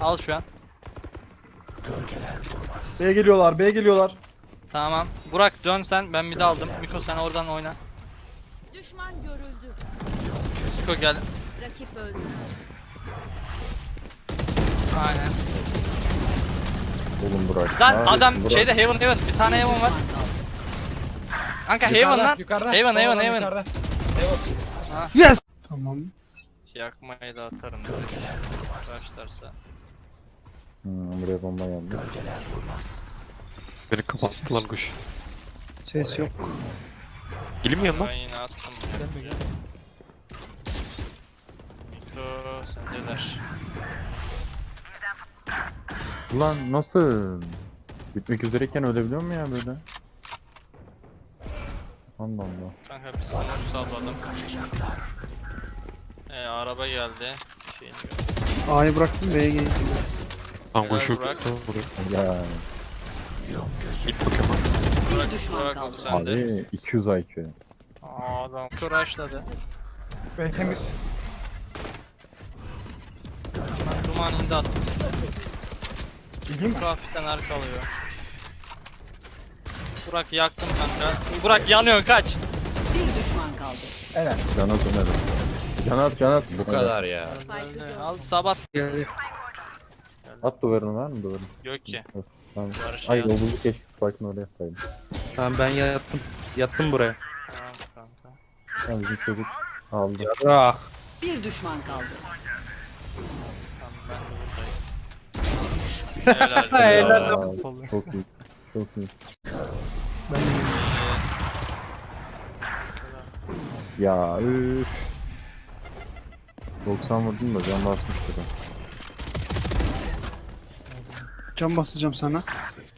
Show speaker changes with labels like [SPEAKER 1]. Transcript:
[SPEAKER 1] Al şu an.
[SPEAKER 2] B'ye geliyorlar, B'ye geliyorlar.
[SPEAKER 1] Tamam. Burak dön sen. Ben mid'i aldım. Miko sen oradan oyna.
[SPEAKER 3] Düşman görüldü.
[SPEAKER 1] Miko gel.
[SPEAKER 3] Rakip öldü.
[SPEAKER 1] Aynen.
[SPEAKER 4] Oğlum Burak.
[SPEAKER 1] Lan
[SPEAKER 4] Abi,
[SPEAKER 1] adam
[SPEAKER 4] Burak.
[SPEAKER 1] şeyde Heaven. Bir tane Heaven var. Kanka Heaven lan. Heaven.
[SPEAKER 5] Yes. Tamam.
[SPEAKER 1] Yakmayı da atarım. Başlarsa.
[SPEAKER 4] Buraya bomba geldi.
[SPEAKER 6] Beni kapattı lan kuş.
[SPEAKER 5] Ses yok.
[SPEAKER 6] Gelin mi yanına?
[SPEAKER 1] Ben yine attım. Miko sendeler.
[SPEAKER 4] Ulan nasıl? Bitmek üzereyken ölebiliyor mu ya böyle? Allah Allah.
[SPEAKER 1] Kanka bir smoke salladım. Araba geldi. Şeyini gör.
[SPEAKER 5] A'yı bıraktım B'ye geldim.
[SPEAKER 6] Lan kuşu
[SPEAKER 1] Burak.
[SPEAKER 6] buraya.
[SPEAKER 4] Ya
[SPEAKER 6] Git bakayım.
[SPEAKER 1] Burak oldu sende.
[SPEAKER 4] abi 200 IQ.
[SPEAKER 1] Adam kıraşladı.
[SPEAKER 2] B temiz.
[SPEAKER 1] Duman indi attım.
[SPEAKER 2] Gideyim mi?
[SPEAKER 1] Miko hafiften arkalıyor. Burak yaktım kanka. Burak yanıyor kaç.
[SPEAKER 3] Bir düşman kaldı.
[SPEAKER 2] Evet.
[SPEAKER 4] Canaz öner. Canaz.
[SPEAKER 7] Bu kadar ya.
[SPEAKER 1] Al sabat.
[SPEAKER 5] Geldi.
[SPEAKER 4] At duvarını var mı duvarını?
[SPEAKER 1] Yok ki.
[SPEAKER 4] Tamam.
[SPEAKER 1] Barış
[SPEAKER 4] Ay
[SPEAKER 1] ya.
[SPEAKER 4] yolculuk keşke Spike'ını oraya saydım.
[SPEAKER 7] Tamam ben yattım. Yattım buraya.
[SPEAKER 1] Tamam kanka.
[SPEAKER 4] Tamam bizim çocuk aldı.
[SPEAKER 7] Ah.
[SPEAKER 3] Bir düşman kaldı.
[SPEAKER 1] Tamam ben de buradayım. Helal.
[SPEAKER 4] Aa, çok iyi. Çok iyi. Ya üf. 90 vurdum da can basmıştı ben.
[SPEAKER 5] Can basacağım sana.